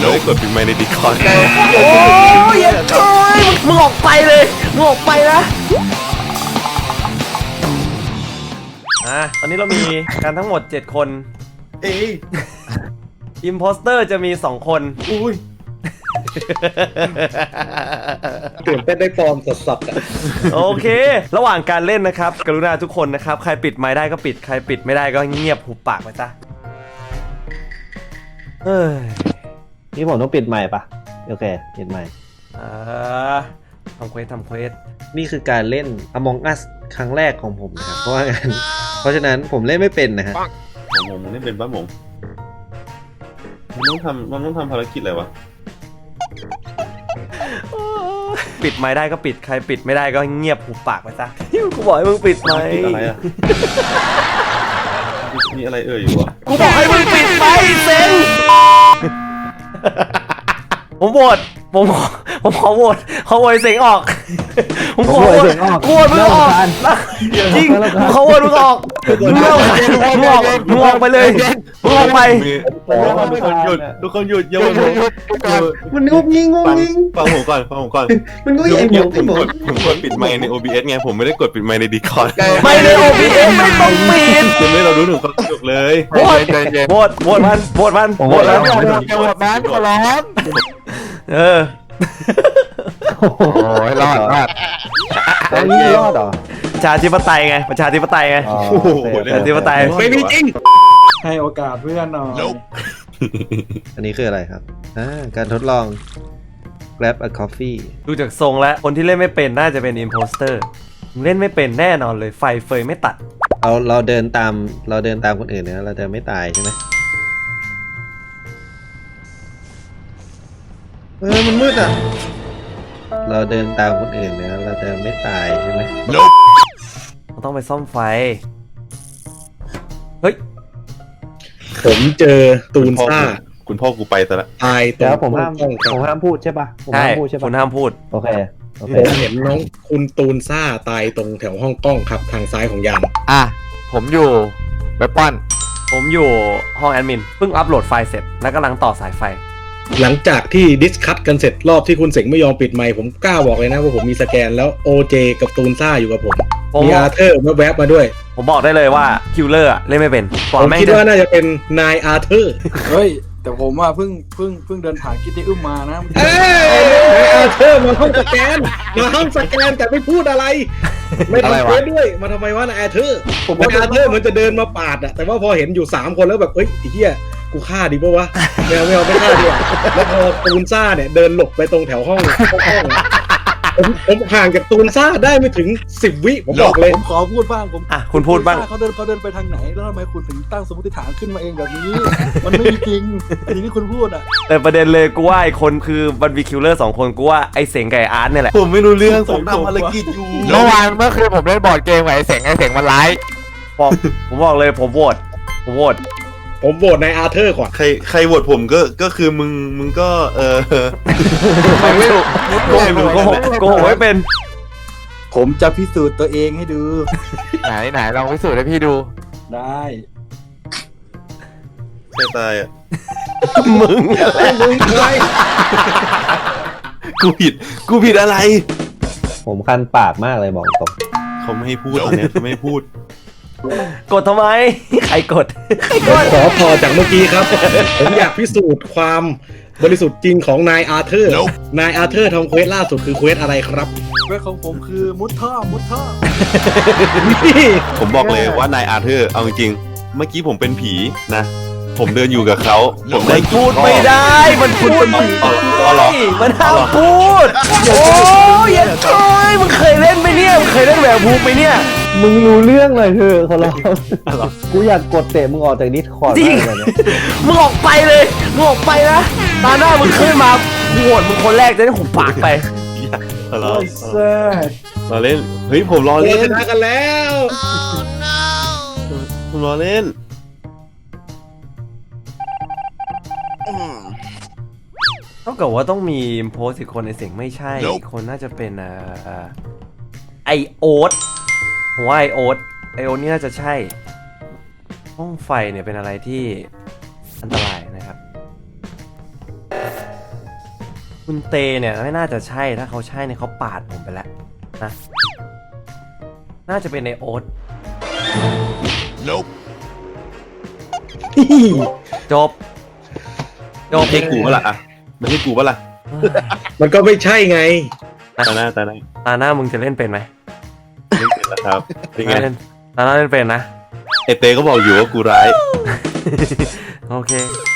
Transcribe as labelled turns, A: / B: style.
A: ไม่ได้กดปิดไมค์ในดิคอร์ด
B: โอ้ยอย่าโอยมึงออกไปเลยมึงออกไปนะตอนนี้เรามีกันทั้งหมด7คนอิมโพสเตอร์จะมี2คน
C: อุ้ยตื่นเต้นได้ฟอร์มสดๆอ่ะ
B: โอเคระหว่างการเล่นนะครับกรุณาทุกคนนะครับใครปิดไมค์ได้ก็ปิดใครปิดไม่ได้ก็เงียบหุบปากไปซะ
D: นี่ผมต้องปิดใหม่ปะโอเคปิดใหม่
B: ทำเควส
D: นี่คือการเล่น Among Us ครั้งแรกของผมนะครับเพราะฉะนั้นผมเล่นไม่เป็นนะฮะ
A: ผมเล่นเป็นป้าหมงมันต้องทำภารกิจอะไรวะ
B: ปิดไมค์ได้ก็ปิดใครปิดไม่ได้ก็เงียบหุบปากไปซะกูบอกให้มึงปิดไมค์
A: อะไรอะมีอะไรอยู่วะ
B: กูบอกให้มึงปิดไมค์เซ็งผมโหวตผมขอโหวตเสียงออกผมขอโหวตมึงออกจริงผมขอโหวตมึงออกมึงออกไปเลยมึงออกไป
A: ทุกคนหยุดอย่า
D: มันงุบงิ้ง
A: ฟังผมก่อน
D: มันงุบงิ้ง
A: ผมกดปิดไมค์ใน OBS ไงผมไม่ได้กดปิดไมค์ใน Discord
B: ไม่ใน OBS ไม่ต้องปิด
A: คุณไม่เรารู้ถึงความสนุกเลย
B: โหวตมัน
D: แล้ว
C: ขอร้อง
D: โอ้ยรอดแล้วนี่รอดเหรอ
B: ประชาธิปไตยไงประชาธิปไตยไม่มีจริง
C: ให้โอกาสเพื่อนหน่อย
D: อันนี้คืออะไรครับการทดลอง Grab a Coffee
B: ดูจากทรงแล้วคนที่เล่นไม่เป็นน่าจะเป็น Imposter เล่นไม่เป็นแน่นอนเลยไฟเฟยไม่ตัด
D: เราเดินตามคนอื่นเนี่ยเราจะไม่ตายใช่ไหมมันมืดอ่ะเราเดินตามคนอื่นเนี่ยเราจะไม่ตายใช่ไหม
B: เราต้องไปซ่อมไฟเฮ้ย
C: ผมเจอตูนซ่า
A: คุณพ่อกูไปซะละ
D: ตายแต่ผมห้ามพูดใช่ปะ
B: ใช่คุณห้ามพูด
D: โอเค
C: ผมเห็นน้องคุณตูนซ่าตายตรงแถวห้องกล้องครับทางซ้ายของยาน
E: ผมอยู่เว็บป้อน
B: ผมอยู่ห้องแอดมินเพิ่งอัปโหลดไฟล์เสร็จแล้วกำลังต่อสายไฟ
C: หลังจากที่ดิสคัทกันเสร็จรอบที่คุณเสงไม่ยอมปิดไมค์ผมกล้าบอกเลยนะว่าผมมีสแกนแล้วโอเจกับตูนซ่าอยู่กับผมมีอาร์เธอร์แวบมาด้วย
B: ผมบอกได้เลยว่าคิลเลอร์เล่นไม่เป็น
C: ผมคิดว่าน่าจะเป็นนายอาร์เธอร์
F: เฮ้ยแต่ผมว่าเพิ่งเดินผ่านกิตตี้อึ้มมานะ
C: นายอาร์เธอร์มาห้องสแกนแต่ไม่พูดอะไรไม่ทำเควสด้วยมาทำไมวะนายอาร์เธอร์นายอาร์เธอร์เหมือนจะเดินมาปาดอะแต่ว่าพอเห็นอยู่3คนแล้วแบบเอ้ยไอ้เหี้ยกูฆ่าดีป่ะวะไม่เอาไม่ฆ่าดีกว่าแล้วพอตูนซ่าเนี่ยเดินหลบไปตรงแถวห้องผมห่างจากตูนซ่าได้ไม่ถึง10 วิผมบอกเลย
F: ผมขอพูดบ้าง
B: คุณพูดบ้าง
F: เขาเดินไปทางไหนแล้วทำไมคุณถึงตั้งสมมติฐานขึ้นมาเองแบบนี้มันไม่มีจริงอย่างที่คุณพูดอ่ะ
B: แต่ประเด็นเลยกูว่าไอ้คนคือบันวีคิลเลอร์2คนกูว่าไอ้เสงกับไอ้อาร์ตเนี่ยแหละ
A: ผมไม่รู้เรื่องผมทำภารกิจอยู่
E: เมื่อคืนผมเล่นบอร์ดเกมกับไอ้เสงมันไลฟ์
B: ผมบอกเลยผมโหวต
C: ในอาร์เธอร์ก่อน
A: ใครโหวตผมก็คือมึงก็
B: ไม่ถูกโกหกไม่เป็น
F: ผมจะพิสูจน์ตัวเองให้ดู
E: ไหนลองพิสูจน์ให้พี่ดู
F: ได้
A: ใครตายอ่ะ
B: มึง
C: อะไร
A: กูผิดอะไร
D: ผมคันปากมากเลยบอกตรง
A: เขาไม่ให้พูดตอนนี้เขาไม่ให้พูด
B: กดทำไมใครกด
C: ขอพอจากเมื่อกี้ครับผมอยากพิสูจน์ความบริสุทธิ์จริงของนายอาร์เธอร์นายอาร์เธอร์ทำเควสล่าสุดคือเควสอะไรครับ
F: เควสของผมคือมุดท่อ
A: ผมบอกเลยว่านายอาร์เธอร์เอาจริงเมื่อกี้ผมเป็นผีนะผมเดินอยู่กับเขาผมได้
B: พูดไม่ได้มันพูดมันห้ามพูดโอ้ยอย่าโอยมึงเคยเล่นไหมเนี่ยมึงเคยเล่นแหวกภูมิไหมเนี่ย
D: มึงรู้เรื่องเลยเธอเขาเรากูอยากกดเตะมึงออกจากดิสคอร์ด
B: จริงมึงออกไปเลยมึงออกไปนะตาหน้ามึงขึ้นมาโหวตมึงคนแรกจะได้หุบปากไป
A: รอเล่นเฮ้ยผมรอเล่น
C: ชนะกันแล้ว
A: ผมรอเล่น
B: เท่ากับว่าต้องมีโพสอีกคนในเสียงไม่ใช่อีกคนน่าจะเป็นไอโอ๊ตผมว่าไอโอ๊ตนี่น่าจะใช่ห้องไฟเนี่ยเป็นอะไรที่อันตรายนะครับคุณเตเนี่ยไม่น่าจะใช่ถ้าเขาใช่เนี่ยเขาปาดผมไปแล้วนะน่าจะเป็นในโอ๊ตจบ
A: ไม่ใช่กูปะล่ะอ่ะไม่ใช่กูปะล่ะ
C: มันก็ไม่ใช่ไง
A: ตาหน้า
B: ตาหน้ามึงจะเล่นเป็นไหม
A: ไม่เป็นแล้วครับเป็นไง
B: เล่นตาหน้าเล่นเป็นนะ
A: เอเต้ก็บอกอยู่ว่ากูร้าย
B: โอเค